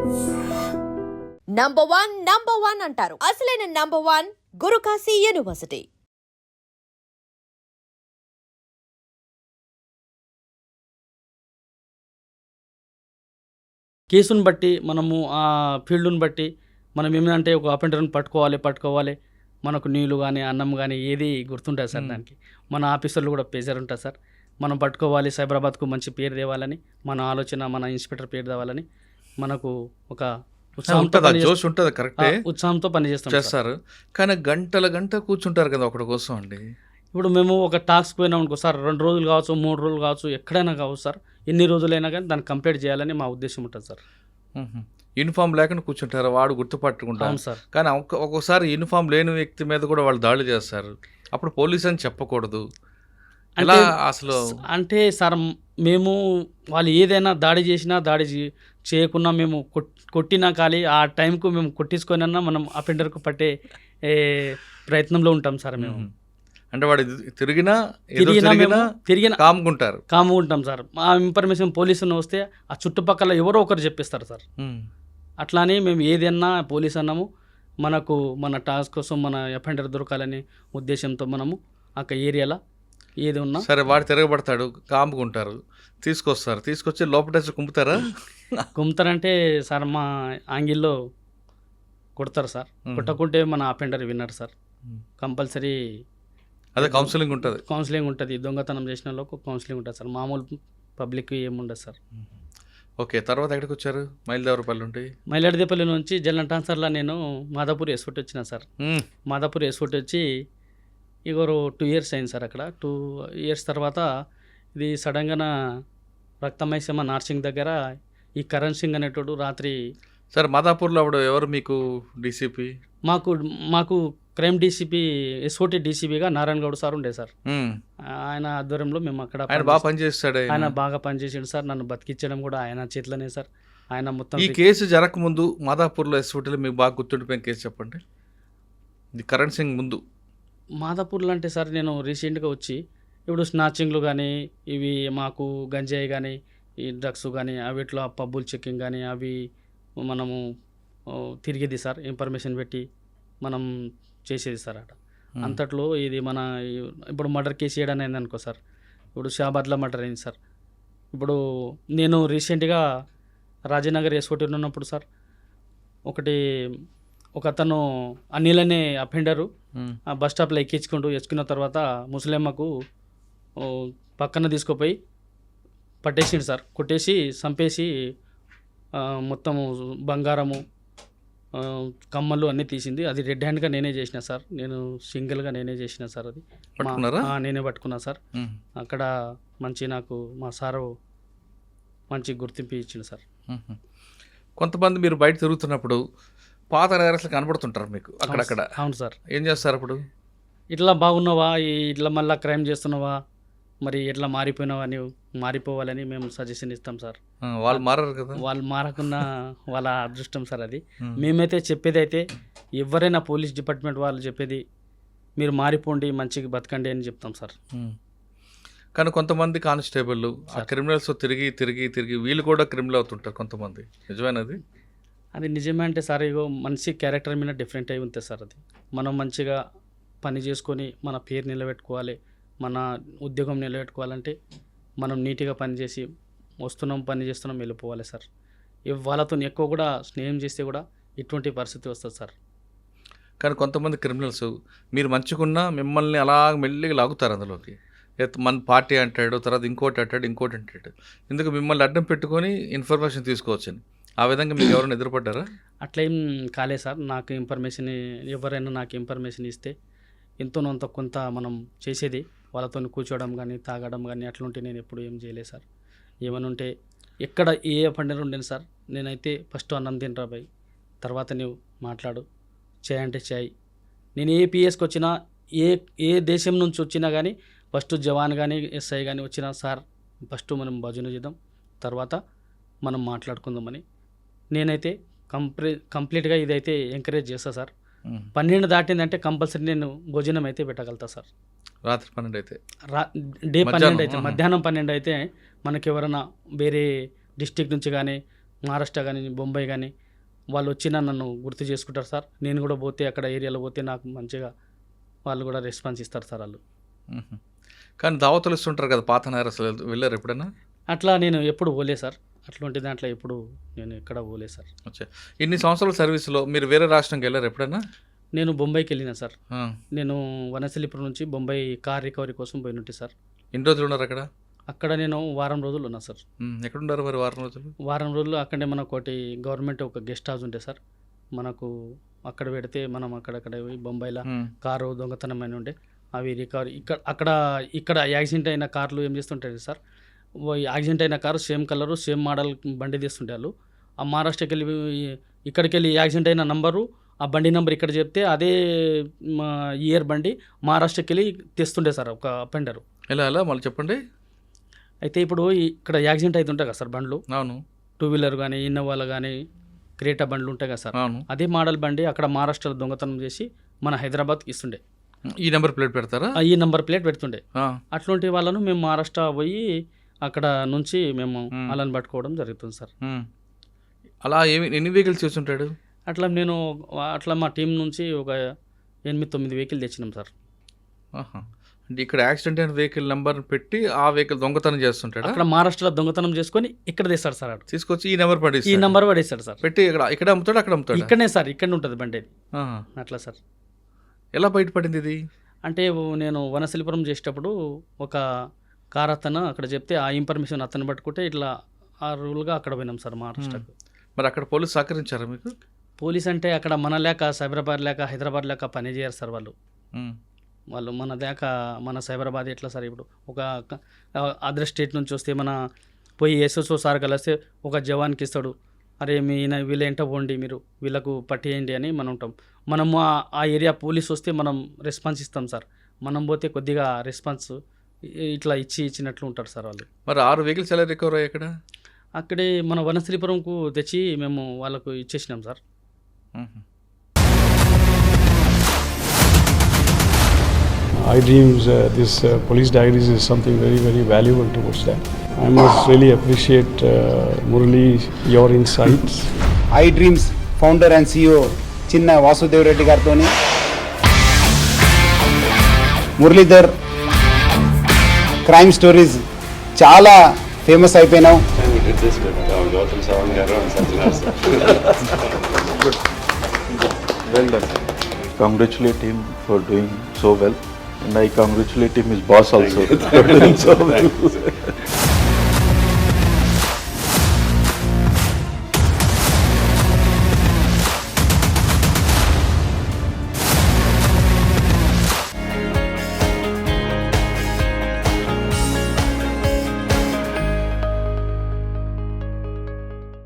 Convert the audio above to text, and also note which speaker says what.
Speaker 1: Number one అంటారు. అసలైన number one Guru Kashi university.
Speaker 2: కేసును బట్టి మనము ఆ ఫీల్డ్ని బట్టి మనం ఏమిటంటే ఒక అపెండర్ని పట్టుకోవాలి మనకు నీళ్ళు కానీ అన్నం కానీ ఏది గుర్తుంటుంది సార్. దానికి మన ఆఫీసర్లు కూడా ప్రెజర్ ఉంటుంది సార్. మనం పట్టుకోవాలి, సైబరాబాద్కు మంచి పేరు తేవాలని మన ఆలోచన, మన ఇన్స్పెక్టర్ పేరు తేవాలని మనకు ఒక
Speaker 3: జోష్ ఉంటుంది. కరెక్టే,
Speaker 2: ఉత్సాహంతో
Speaker 3: చేస్తారు. కానీ గంట కూర్చుంటారు కదా ఒకటి కోసం అండి.
Speaker 2: ఇప్పుడు మేము ఒక టాస్క్ పోయినాం అనుకో సార్, 2 రోజులు కావచ్చు, 3 రోజులు కావచ్చు, ఎక్కడైనా కావచ్చు సార్, ఎన్ని రోజులైనా కానీ దాన్ని కంప్లీట్ చేయాలని మా ఉద్దేశం ఉంటుంది సార్.
Speaker 3: యూనిఫామ్ లేకుండా కూర్చుంటారు, వాడు గుర్తుపట్టుకుంటారు
Speaker 2: సార్.
Speaker 3: కానీ ఒక్కొక్కసారి యూనిఫామ్ లేని వ్యక్తి మీద కూడా వాళ్ళు దాడులు చేస్తారు. అప్పుడు పోలీస్ అని చెప్పకూడదు అలా అసలు
Speaker 2: అంటే సార్, మేము వాళ్ళు ఏదైనా దాడి చేసినా చేయకున్నా మేము కొట్టినా కానీ ఆ టైంకు మేము కొట్టించుకొనన్నా మనం అపెండర్కు పట్టే ప్రయత్నంలో ఉంటాం సార్. మేము
Speaker 3: అంటే వాడు తిరిగినా
Speaker 2: కాముకుంటాం సార్. ఆ ఇన్ఫర్మేషన్ పోలీసును వస్తే ఆ చుట్టుపక్కల ఎవరో ఒకరు చెప్పిస్తారు సార్. అట్లానే మేము ఏదన్నా పోలీస్ అన్నాము, మనకు మన టాస్క్ కోసం మన అఫెండర్ దొరకాలని ఉద్దేశంతో మనము ఆ ఏరియాలో ఏది ఉన్నా
Speaker 3: సరే వాడు తిరగబడతాడు, కాముకుంటారు, తీసుకొచ్చి లోపల
Speaker 2: కుమ్ముతారంటే సార్ మా ఆంగిల్లో కొడతారు సార్. కొట్టకుంటే మన అఫెండర్ విన్నర్ సార్. కంపల్సరీ
Speaker 3: అదే కౌన్సిలింగ్
Speaker 2: ఉంటుంది. దొంగతనం చేసిన వాళ్ళకు కౌన్సిలింగ్ ఉంటుంది సార్. మామూలు పబ్లిక్ ఏముండదు సార్.
Speaker 3: ఓకే, తర్వాత ఎక్కడికి వచ్చారు?
Speaker 2: మైలాడదేపల్లి నుంచి జల్లం ట్రాన్స్ఫర్లో నేను మాదాపూర్ ఎస్ఫోర్ట్ వచ్చిన సార్. మాదాపూర్ ఎస్ఫోర్ట్ వచ్చి ఇగోరు 2 years అయింది సార్. అక్కడ 2 years తర్వాత ఇది సడన్గా రక్తమైసమ్మ నార్సింగ్ దగ్గర ఈ కరణ్ సింగ్ అనేటోడు రాత్రి
Speaker 3: సార్ మాదాపూర్లో అప్పుడు ఎవరు మీకు డీసీపీ?
Speaker 2: మాకు క్రైమ్ డీసీపీ ఎస్ఓటీ డీసీపీగా నారాయణ గౌడ్ సార్ ఉండే సార్. ఆయన ఆధ్వర్యంలో మేము అక్కడ ఆయన బాగా పనిచేసాడు సార్. నన్ను బతికించడం కూడా ఆయన చేతిలోనే సార్. ఆయన మొత్తం
Speaker 3: ఈ కేసు జరగకముందు మాదాపూర్లో ఎస్ఓటీలో మీకు బాగా గుర్తుండిపోయిన కేసు చెప్పండి. ఇది కరణ్ సింగ్ ముందు
Speaker 2: మాదాపూర్లో అంటే సార్, నేను రీసెంట్గా వచ్చి ఇప్పుడు స్నాచింగ్లు కానీ, ఇవి మాకు గంజాయి కానీ, ఈ డ్రగ్స్ కానీ, అవిట్లో పబ్బులు చెక్కింగ్ కానీ అవి మనము తిరిగేది సార్. ఇన్ఫర్మేషన్ పెట్టి మనం చేసేది సార్. అట అంతట్లో ఇది మన ఇప్పుడు మర్డర్ కేసు చేయడం అయింది అనుకో సార్. ఇప్పుడు షాబాద్లో మర్డర్ అయింది సార్. ఇప్పుడు నేను రీసెంట్గా రాజనగర్ ఎస్ఓటీ ఉన్నప్పుడు సార్, ఒక అతను అనిల్ అనే అఫెండరు ఆ బస్ స్టాప్లో ఎక్కించుకున్న తర్వాత ముసలమ్మకు పక్కన తీసుకుపోయి పట్టేసిండు సార్. కొట్టేసి చంపేసి మొత్తము బంగారము, కమ్మలు అన్నీ తీసింది. అది రెడ్ హ్యాండ్గా నేనే చేసిన సార్. నేను సింగిల్గా నేనే చేసిన సార్. అది నేనే పట్టుకున్నా సార్. అక్కడ మంచి నాకు మా సారు మంచి గుర్తింపు ఇచ్చింది సార్.
Speaker 3: కొంతమంది మీరు బయట తిరుగుతున్నప్పుడు పాత నేరస్తులు కనబడుతుంటారు మీకు అక్కడక్కడ.
Speaker 2: అవును సార్.
Speaker 3: ఏం చేస్తారు అప్పుడు?
Speaker 2: ఇట్లా బాగున్నావా, ఇట్లా మళ్ళీ క్రైమ్ చేస్తున్నావా, మరి ఎట్లా మారిపోయినావా, నీవు మారిపోవాలని మేము సజెషన్ ఇస్తాం సార్.
Speaker 3: వాళ్ళు మారారు కదా.
Speaker 2: వాళ్ళు మారకున్నా వాళ్ళ అదృష్టం సార్. అది మేమైతే చెప్పేది అయితే ఎవరైనా పోలీస్ డిపార్ట్మెంట్ వాళ్ళు చెప్పేది మీరు మారిపోండి, మంచిగా బతకండి అని చెప్తాం సార్.
Speaker 3: కానీ కొంతమంది కానిస్టేబుల్ ఆ క్రిమినల్స్ తిరిగి వీళ్ళు కూడా క్రిమినల్ అవుతుంటారు కొంతమంది. నిజమేనది?
Speaker 2: అది నిజమే అంటే సార్, ఇగో మనిషి క్యారెక్టర్ మీద డిఫరెంట్ అయి ఉంటుంది సార్. అది మనం మంచిగా పని చేసుకొని మన పేరు నిలబెట్టుకోవాలి, మన ఉద్యోగం నిలబెట్టుకోవాలంటే మనం నీట్గా పనిచేసి పని చేస్తున్నాం వెళ్ళిపోవాలి సార్. వాళ్ళతో ఎక్కువ కూడా స్నేహం చేస్తే కూడా ఇటువంటి పరిస్థితి వస్తుంది సార్.
Speaker 3: కానీ కొంతమంది క్రిమినల్స్ మీరు మంచిగున్నా మిమ్మల్ని అలా మెల్లిగా లాగుతారు అందులోకి. మన పార్టీ అంటాడు, తర్వాత ఇంకోటి అంటాడు. ఎందుకు మిమ్మల్ని అడ్డం పెట్టుకొని ఇన్ఫర్మేషన్ తీసుకోవచ్చని. ఆ విధంగా మీకు ఎవరైనా ఎదురుపడ్డారా?
Speaker 2: అట్లా ఏం కాలేదు సార్. నాకు ఇన్ఫర్మేషన్ ఎవరైనా నాకు ఇన్ఫర్మేషన్ ఇస్తే ఎంతోనంత కొంత మనం చేసేది. వాళ్ళతో కూర్చోవడం కానీ, తాగడం కానీ అట్లుంటే నేను ఎప్పుడు ఏం చేయలేదు సార్. ఏమైనా ఉంటే ఎక్కడ ఏ పండుగ ఉండేది సార్, నేనైతే ఫస్ట్ అన్నం తినరా బాయ్, తర్వాత నువ్వు మాట్లాడు, చేయంటే చేయి. నేను ఏ పిఎస్కి వచ్చినా, ఏ దేశం నుంచి వచ్చినా కానీ ఫస్ట్ జవాన్ కానీ ఎస్ఐ కానీ వచ్చినా సార్ ఫస్ట్ మనం భజన చేద్దాం, తర్వాత మనం మాట్లాడుకుందామని నేనైతే కంప్లీట్గా ఇదైతే ఎంకరేజ్ చేస్తా సార్. 12 దాటిందంటే కంపల్సరీ నేను భోజనం అయితే పెట్టగలుగుతా సార్.
Speaker 3: రాత్రి 12 అయితే
Speaker 2: డే 12 అయితే, మధ్యాహ్నం 12 అయితే మనకి ఎవరైనా వేరే డిస్టిక్ నుంచి కానీ మహారాష్ట్ర కానీ బొంబాయి కానీ వాళ్ళు వచ్చినా నన్ను గుర్తు చేసుకుంటారు సార్. నేను కూడా పోతే అక్కడ ఏరియాలో పోతే నాకు మంచిగా వాళ్ళు కూడా రెస్పాన్స్ ఇస్తారు సార్ వాళ్ళు.
Speaker 3: కానీ దావతులు ఇస్తుంటారు కదా పాత నేరస్తులు, వెళ్ళారు ఎప్పుడైనా?
Speaker 2: అట్లా నేను ఎప్పుడు పోలే సార్, అట్లాంటి దాంట్లో ఎప్పుడు నేను ఎక్కడ పోలే సార్.
Speaker 3: అచ్చా, ఇన్ని సంవత్సరాల సర్వీస్లో మీరు వేరే రాష్ట్రంకి వెళ్ళారు ఎప్పుడైనా?
Speaker 2: నేను బొంబాయికి వెళ్ళిన సార్.
Speaker 3: ఆ.
Speaker 2: నేను వనసలిపురం నుంచి బొంబాయి కార్ రికవరీ కోసం పోయినట్టు సార్.
Speaker 3: ఎన్ని రోజులు ఉన్నారు అక్కడ?
Speaker 2: అక్కడ నేను వారం రోజులు ఉన్నా సార్.
Speaker 3: ఎక్కడున్నారు మరి వారం రోజులు?
Speaker 2: వారం రోజులు అక్కడే మనకు ఒకటి గవర్నమెంట్ ఒక గెస్ట్ హౌస్ ఉంటే సార్, మనకు అక్కడ పెడితే మనం అక్కడక్కడ పోయి బొంబాయిలో కారు దొంగతనమైన ఉండే అవి రికవరీ ఇక్కడ యాక్సిడెంట్ అయిన కార్లు ఏం చేస్తుంటాయి సార్, యాక్సిడెంట్ అయిన car same colour same model బండి తీస్తుంటే వాళ్ళు ఆ మహారాష్ట్రకి వెళ్ళి ఇక్కడికి వెళ్ళి యాక్సిడెంట్ అయిన నంబరు ఆ బండి నెంబర్ ఇక్కడ చెప్తే అదే ఇయర్ బండి మహారాష్ట్రకి వెళ్ళి తెస్తుండే సార్ ఒక అపెండరు.
Speaker 3: ఎలా మళ్ళీ చెప్పండి.
Speaker 2: అయితే ఇప్పుడు ఇక్కడ యాక్సిడెంట్ అవుతుంటాయి కదా సార్ బండ్లు,
Speaker 3: అవును,
Speaker 2: 2 వీలర్ కానీ ఇన్నోవాలు కానీ క్రేటా బండ్లు ఉంటాయి కదా సార్,
Speaker 3: అవును,
Speaker 2: అదే మోడల్ బండి అక్కడ మహారాష్ట్రలో దొంగతనం చేసి మన హైదరాబాద్కి ఇస్తుండే.
Speaker 3: ఈ నెంబర్ ప్లేట్ పెడతారా?
Speaker 2: ఈ నెంబర్ ప్లేట్ పెడుతుండే. అట్లాంటి వాళ్ళను మేము మహారాష్ట్ర పోయి అక్కడ నుంచి మేము వాళ్ళని పట్టుకోవడం జరుగుతుంది సార్.
Speaker 3: అలా ఎన్ని వెహికల్స్ చూస్తుంటాడు?
Speaker 2: అట్లా మా టీం నుంచి ఒక 8-9 వెహికల్ తెచ్చినాం సార్.
Speaker 3: అంటే ఇక్కడ యాక్సిడెంట్ అయిన వెహికల్ నెంబర్ పెట్టి ఆ వెహికల్ దొంగతనం చేస్తుంటాడు.
Speaker 2: అక్కడ మహారాష్ట్రలో దొంగతనం చేసుకొని ఇక్కడ తెస్తాడు సార్.
Speaker 3: తీసుకొచ్చి ఈ నెంబర్ పడేసి
Speaker 2: ఈ నెంబర్ పడేస్తాడు సార్.
Speaker 3: పెట్టి ఇక్కడ అమ్ముతాడు, అక్కడ అమ్ముతాడు.
Speaker 2: ఇక్కడనే సార్, ఇక్కడ ఉంటుంది బండి. అట్లా సార్.
Speaker 3: ఎలా బయటపడింది ఇది?
Speaker 2: అంటే నేను వనశిల్పురం చేసేటప్పుడు ఒక కార్ అతను అక్కడ చెప్తే ఆ ఇన్ఫర్మేషన్ అతను పట్టుకుంటే ఇట్లా ఆ రూల్గా అక్కడ పోయినాం సార్ మహారాష్ట్రకు.
Speaker 3: మరి అక్కడ పోలీసు సహకరించారా మీకు?
Speaker 2: పోలీస్ అంటే అక్కడ మన లేక సైబరాబాద్ లేక హైదరాబాద్ లేక పని చేయరు సార్ వాళ్ళు. మన లేక మన సైబరాబాద్ ఎట్లా సార్, ఇప్పుడు ఒక అదర్ స్టేట్ నుంచి వస్తే మన పోయి ఎస్ఎస్ఓ సార్ కలిస్తే ఒక జవాన్కి ఇస్తాడు, అరే వీళ్ళ ఎంట పోండి, మీరు వీళ్ళకు పట్టేయండి అని మనం ఉంటాం. మనము ఆ ఏరియా పోలీస్ వస్తే మనం రెస్పాన్స్ ఇస్తాం సార్. మనం పోతే కొద్దిగా రెస్పాన్స్ ఇట్లా ఇచ్చినట్లు ఉంటారు సార్ వాళ్ళు.
Speaker 3: మరి 6 వెహికల్స్ ఎలా రికవర్ అయ్యాయి అక్కడ?
Speaker 2: అక్కడే మన వనశ్రీపురంకు తెచ్చి మేము వాళ్ళకు ఇచ్చేసినాం sir.
Speaker 4: iDreams, this police diaries is something very, very valuable towards that. I must really appreciate Murali, your insights.
Speaker 5: iDreams founder and CEO చిన్న వాసుదేవ్ రెడ్డి గారితో మురళీధర్ క్రైమ్ స్టోరీస్ చాలా ఫేమస్ అయిపోయినావు.
Speaker 6: Well done. Congratulate him for doing so well, and I congratulate him, his boss also, for doing so well.